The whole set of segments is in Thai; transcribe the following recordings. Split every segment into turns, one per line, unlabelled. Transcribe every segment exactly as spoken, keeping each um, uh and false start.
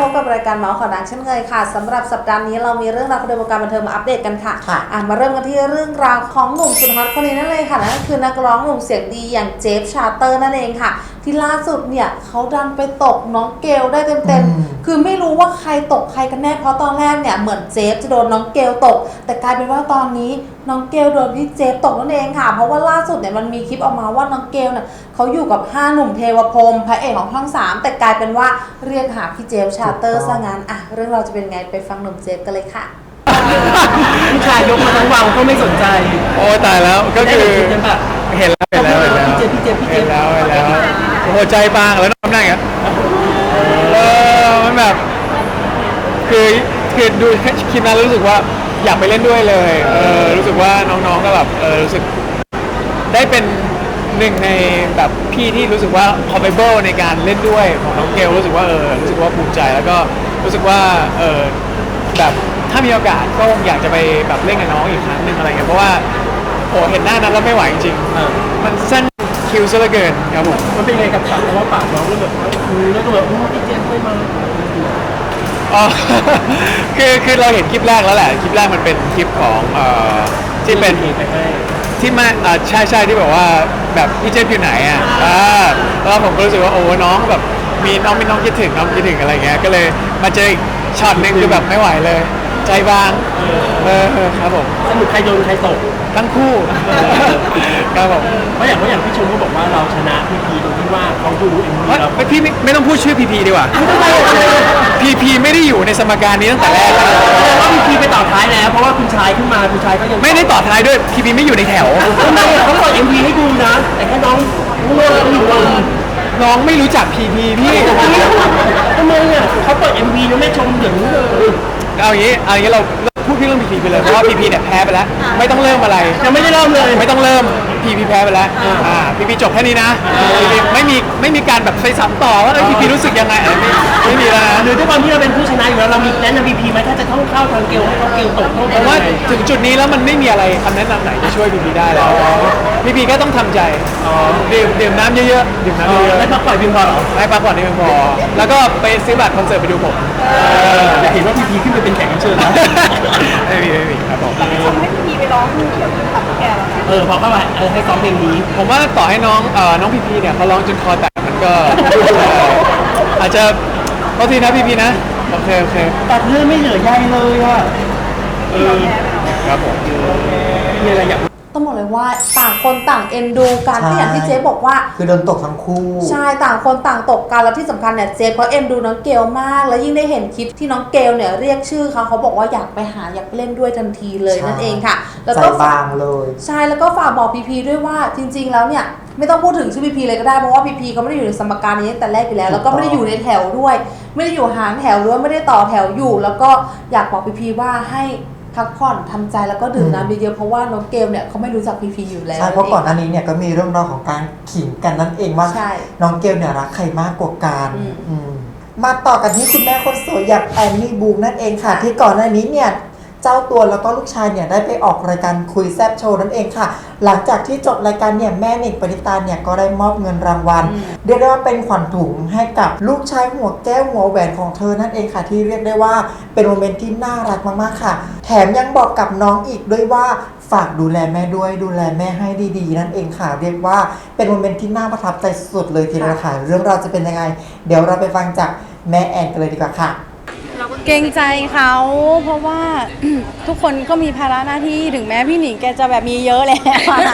พบกับรายการเมาส์ข่าวดังเช่นเคยค่ะสำหรับสัปดาห์นี้เรามีเรื่องราวของวงการบันเทิงมาอัปเดตกันค่ะอ่ะมาเริ่มกันที่เรื่องราวของหนุ่มสุดฮอตคนนี้นั่นเลยค่ะนั่นก็คือนักร้องหนุ่มเสียงดีอย่างเจฟชาเตอร์นั่นเองค่ะที่ล่าสุดเนี่ยเขาดันไปตกน้องเกลได้เต็มๆคือไม่รู้ว่าใครตกใครกันแน่เพราะตอนแรกเนี่ยเหมือนเจฟจะโดนน้องเกลตกแต่กลายเป็นว่าตอนนี้น้องเกลโดนพี่เจฟตกนั่นเองค่ะเพราะว่าล่าสุดเนี่ยมันมีคลิปออกมาว่าน้องเกลเนี่ยเขาอยู่กับห้าหนุ่มเทวพรหมพระเอกของช่องสามแต่กลายเป็นว่าเรียกหาพี่เจฟชาเตอร์ซะงั้นอ่ะเรื่องเราจะเป็นไงไปฟังหนุ่มเจฟกันเลยค่ะ
ผู้ชายยกมาทั้งวังก็ไม่สนใจ
โอ้ตายแล้วก็คือเห็นแล้วเห็นแล้วเห็นแล้ว
พี่เจพี่เจพี่เจ
เห็นแล้วเห็นแล้วโอ้โหใจบางแล้วน้ำหนักอ่ะเออมันแบบคือคือดูคลิปนั้นรู้สึกว่าอยากไปเล่นด้วยเลยเออรู้สึกว่าน้องๆก็แบบเออรู้สึกได้เป็นหนึ่งในแบบพี่ที่รู้สึกว่า capable ในการเล่นด้วยของน้องเกลรู้สึกว่าเออรู้สึกว่าภูมิใจแล้วก็รู้สึกว่าเออแบบถ้ามีโอกาสก็อยากจะไปแบบเล่นกับน้องอีกครั้งหนึ่งอะไรเงี้ยเพราะว่าโอ้เห็นหน้านั้นแล้วไม่ไหวจริงๆมันสั้นคิวซะเหลือเกินครับผม
มันเป็นไงกับปากเพราะว่าปากน้องก็แบบคือแล้วก็แบบพี่เจไม่มา
อ๋อคือคือเราเห็นคลิปแรกแล้วแหละคลิปแรกมันเป็นคลิปของเอ่อที่เป็นที่มาอ่าใช่ใช่ที่แบบว่าแบบพี่เจฟอยู่ไหนอ่ะอ่าแล้วผมก็รู้สึกว่าโอ้น้องแบบมีน้องมีน้องคิดถึงน้องคิดถึงอะไรเงี้ยก็เลยมาเจออีกช็อตนึงคือแบบไม่ไหวเลยใจบางเออครับผม
สรุปใครโดนใครตก
ทั้งคู่ครับผม
เพราะอย่างเพราะอย่างพี่ชมก็บอกว่าเราชนะพีพีตรงที่ว่าเขาดูเอ็มวีเรา
พี่ไม่ไม่ต้องพูดชื่อพีพีดีกว่าพีพีไม่ได้อยู่ในสมการนี้ตั้งแต่แรกแล้ว
ว่าพีพีไปต่อท้ายแล้วเพราะว่าคุณชายขึ้นมาคุณชายก็ยัง
ไม่ได้ต่อท้ายด้วยพีพีไม่อยู่ในแถว
ทำไมเขาเปิดเอ็มวีให้ดูนะแต่แค่น้องง่วงอยู่
น้องไม่รู้จักพีพีพี่
ทำไมอ่ะเขาเปิดเอ็มวีแล้วไม่ชมอย่างนี้เลย
เอาอย่างนี้เอาอย่างนี้เราพูดพี่เรื่องพีพีไปเลยเพราะว่าพีพีเนี่ยแพ้ไปแล้วไม่ต้องเริ่มอะไร
ยังไม่ได้เริ่มเลย
ไม่ต้องเริ่มพีพีแพ้ไปแล้วอ่าพีพีจบแค่นี้นะพีพีไม่มีไม่มีการแบบไปซ้ำต่อว่าพีพีรู้สึกยังไงไม่ไม่มีแล้วนะ
หรือด้วยความที่เราเป็นผู้ชนะอยู่แล้วเรามีแนะนำพีพีไหมถ้าจะต้องเข้าทางเกลให้เขาเกลตก
ผมว่าถึงจุดนี้แล้วมันไม่มีอะไรคำแนะนำไหนจะช่วยพีพีได้แล้วพีพีก็ต้องทำใจดื่มดื่มน้ำเยอะๆดื่มน้ำเยอะ
ๆให้พักผ่อนเพียงพอหรอ
ให้พักผ่อนเพียงพอแล้วก็ไปซื้อบัตรคอนเสิร์ตไปดูผม
อยากเห็นว่าพีพีขึ้นไปเป็นแขกรับเชิญนะ
ไม่มีไม่มีครับผม
ทำให้พีพีไปร้องเกี่ยวกับขับแกแล้วนะ
เออพอเข้าไปเออให้ซ้อมเพลงนี้
ผมว่าต่อให้น้องเอ่อน้องพีพีเนี่ยเขาร้องจนคอแตกมันก็อาจจะพอทีนะพีพีนะโอเคโอเค
ตัดเรื่องไม่เหลือใยเลยอ่ะ
เออ
ครับผม
มีอะไรอยาก
ต้องบอกเลยว่าต่างคนต่างเอ็นดูกันที่อย่างที่เจ๊บอกว่า
คือโดนตกทั้งคู่
ใช่ต่างคนต่างตกกันแล้วที่สำคัญเนี่ยเจ๊เขาเอ็นดูน้องเกลมากแล้วยิ่งได้เห็นคลิปที่น้องเกลเนี่ยเรียกชื่อเขาเขาบอกว่าอยากไปหาอยากเล่นด้วยทันทีเลยนั่นเองค่ะ
แล้วก็บางเลย
ใช่แล้วก็ฝากบอกพีพีด้วยว่าจริงๆแล้วเนี่ยไม่ต้องพูดถึงชื่อพีพีเลยก็ได้เพราะว่าพีพีเขาไม่ได้อยู่ในสมการนี้ตั้งแต่แรกอยู่แล้วแล้วก็ไม่ได้อยู่ในแถวด้วยไม่ได้อยู่หางแถวด้วยไม่ได้ต่อแถวอยู่แล้วก็อยากบอกพีพีว่าให้พักผ่อนทำใจแล้วก็ดื่มน้ำเยอะๆเพราะว่าน้องเกลเนี่ยเขาไม่รู้จักพีพีอยู่แล้ว
ใช่เพราะก่อนหน้านี้เนี่ยก็มีเรื่องราวของการขิงกันนั่นเองว่าน้องเกลเนี่ยรักใครมากกว่ากันมาต่อกันที่คุณแม่คนสวยอย่างแอนนี่บูมนั่นเองค่ะที่ก่อนหน้านี้เนี่ยเจ้าตัวแล้วก็ลูกชายเนี่ยได้ไปออกรายการคุยแซบโชว์นั่นเองค่ะหลังจากที่จบรายการเนี่ยแม่หนิงปณิตาเนี่ยก็ได้มอบเงินรางวัลเรียกได้ว่าเป็นขวัญถุงให้กับลูกชายหัวแก้วหัวแหวนของเธอนั่นเองค่ะที่เรียกได้ว่าเป็นโมเมนต์ที่น่ารักมากๆค่ะแถมยังบอกกับน้องอีกด้วยว่าฝากดูแลแม่ด้วยดูแลแม่ให้ดีๆนั่นเองค่ะเรียกว่าเป็นโมเมนต์ที่น่าประทับใจสุดเลยทีเดียวค่ะเรื่องราวจะเป็นยังไงเดี๋ยวเราไปฟังจากแม่แอนกันเลยดีกว่าค่ะ
เกรงใจเขาเพราะว่า ทุกคนก็มีภาระหน้าที่ถึงแม้พี่หนิงแกจะแบบมีเยอะแล้ว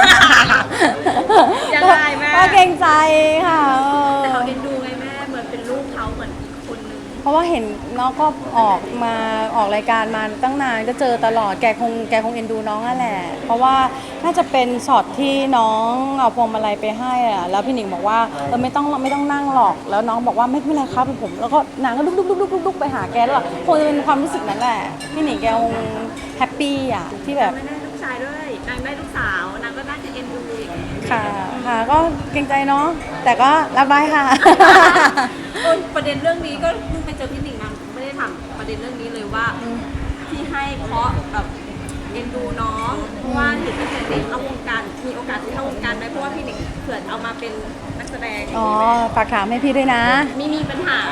ยังไงแม่
ก็เกรงใจค่ะ
แต่เขาเอ็นดูไงแม่เหมือนเป็นลูกเขาเหมือนคนนึง
เพราะว่าเห็นน้องก็ออกมาออกรายการมาตั้งนานก็เจอตลอดแกคงแกคงเอ็นดูน้องนั่นแหละเพราะว่าน่าจะเป็นช็อตที่น้องเอาพวงมาลัยไปให้อ่ะแล้วพี่หนิงบอกว่าเออไม่ต้องไม่ต้องนั่งหรอกแล้วน้องบอกว่าไม่เป็นไรครับเป็นผมแล้วก็นางก็ลุกลุกลุกลุกลุกไปหาแกแล้วคงจะเป็นความรู้สึกนั้นแหละพี่หนิงแกคงแฮปปี้อ่ะที่แบบ
ไม่ได้ลูกชายด้วยนางได้ลูกสาวนางก็น่าจะเอ็นดู
ค่ะค่ะก็เกรงใจเนาะแต่ก็รับบายค่ะ
ประเด็นเรื่องนี้ก็เพิ่งไปเจอพี่หนิงมาไม่ได้ถามประเด็นเรื่องนี้เลยว่าที่ให้เพราะแบบเอ็นดูน้องเพราะว่าเห็นพี่หนิงเด็กเข้าวงการมีโอกาสที่เข้าวงการไหมเพราะว่าพี่หนิงเผื่อเอามาเป็นนักแสดง
อ๋อฝากถามให้พี่ด้วยนะ
ไม่มีปัญหา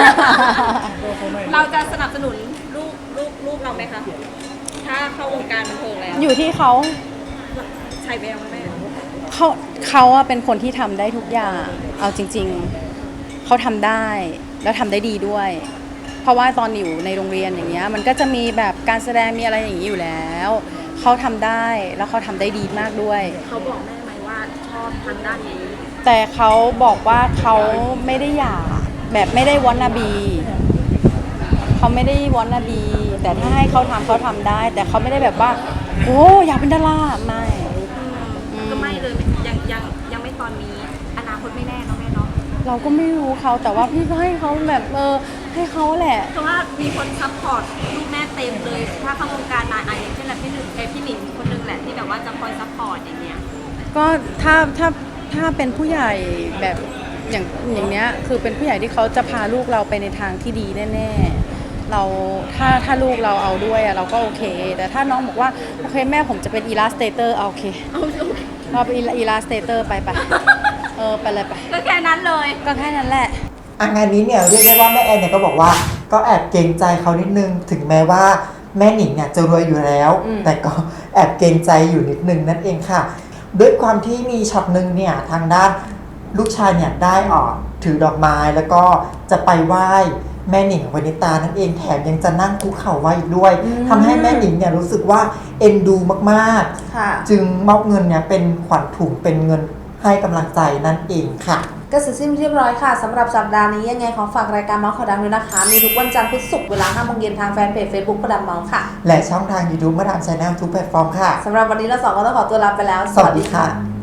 เราจะสนับสนุนลูกลูกลูกเราไหมคะถ้าเข้าวงการบันเทิงแล้ว
อยู่ที่เขา
ใช่แววไหมแม่
เขาเขาอะเป็นคนที่ทำได้ทุกอย่าง เอาจริง ๆ เขาทำได้แล้วทำได้ดีด้วย เพราะว่าตอนอยู่ในโรงเรียนอย่างเงี้ยมันก็จะมีแบบการแสดงมีอะไรอย่างนี้อยู่แล้ว เขาทำได้แล้วเขาทำได้ดีมากด้วย
เขาบอกแม่ไหมว่าชอบทางด้านนี้
แต่เขาบอกว่าเขาไม่ได้อยากแบบไม่ได้วอนนาบีเขาไม่ได้วอนนาบี แต่ถ้าให้เขาทำเขาทำได้ แต่เขาไม่ได้แบบว่าโอ้อยากเป็นดาราไม่
อืมก็ไม่เลยยังยังยังไม่ตอนนี้อนาคตไม่แน่เนาะแม่เนาะ
เราก็ไม่รู้เขาแต่ว่าพี่ก็ให้เขาแบบเออให้เขาแหละ
เพราะว่ามีคนซัพพอร์ตลูกแม่เต็มเลย ถ้าเข้าวงการมาอ่ะอย่างเช่นแบบพี่หนึ่งเอยพี่หนิงคนนึงแหละที่แบบว่าจะคอยซัพพอร์ตอย่างเงี้ย
ก็ถ้าถ้าถ้าเป็นผู้ใหญ่แบบอย่างอย่างเนี้ยคือเป็นผู้ใหญ่ที่เขาจะพาลูกเราไปในทางที่ดีแน่ๆเราถ้าถ้าลูกเราเอาด้วยอะเราก็โอเค แต่ถ้าน้องบอกว่าโอเคแม่ผมจะเป็นอีลาสเตเตอร์เอาโอเคเราเป็นอีลาสเตเตอร์ไปไปเออไปเลยไป
ก็แค่นั้นเลย
ก็แค่นั้นแหละ
อ่ะงานนี้เนี่ยเรียกได้ว่าแม่แอนเนี่ยก็บอกว่าก็แอบเกรงใจเขานิดนึงถึงแม้ว่าแม่หนิงเนี่ยจะรวยอยู่แล้ว
อืม
แต่ก็แอบเกรงใจอยู่นิดนึงนั่นเองค่ะ ด้วยความที่มีช็อตหนึ่งเนี่ยทางด้านลูกชายเนี่ยได้ออกถือดอกไม้แล้วก็จะไปไหว้แม่หนิงวนิตานั่นเองแถมยังจะนั่งคุกเข่าไหว้อีกด้วยทำให้แม่หนิงเนี่ยรู้สึกว่าเอ็นดูมาก
ค่ะ
ๆ จึงมอบเงินเนี่ยเป็นขวัญถุงเป็นเงินให้กำลังใจนั่นเองค่ะ
ก็เสร็จสิ้นเรียบร้อยค่ะสำหรับสัปดาห์นี้ยังไงขอฝากรายการเมาส์ข่าวดังด้วยนะคะ มีทุกวันจันทร์พุธศุกร์เวลาห้าโมงเย็นทางแฟนเพจ Facebook ข่าวดังเมาส์ค่ะ
และช่องทาง YouTube มาดามชาแนลทุกแพลตฟอร์มค่ะ
สำหรับวันนี้เราสองก็ต้องขอตัวลาไปแล้ว
สวัสดีค่ะ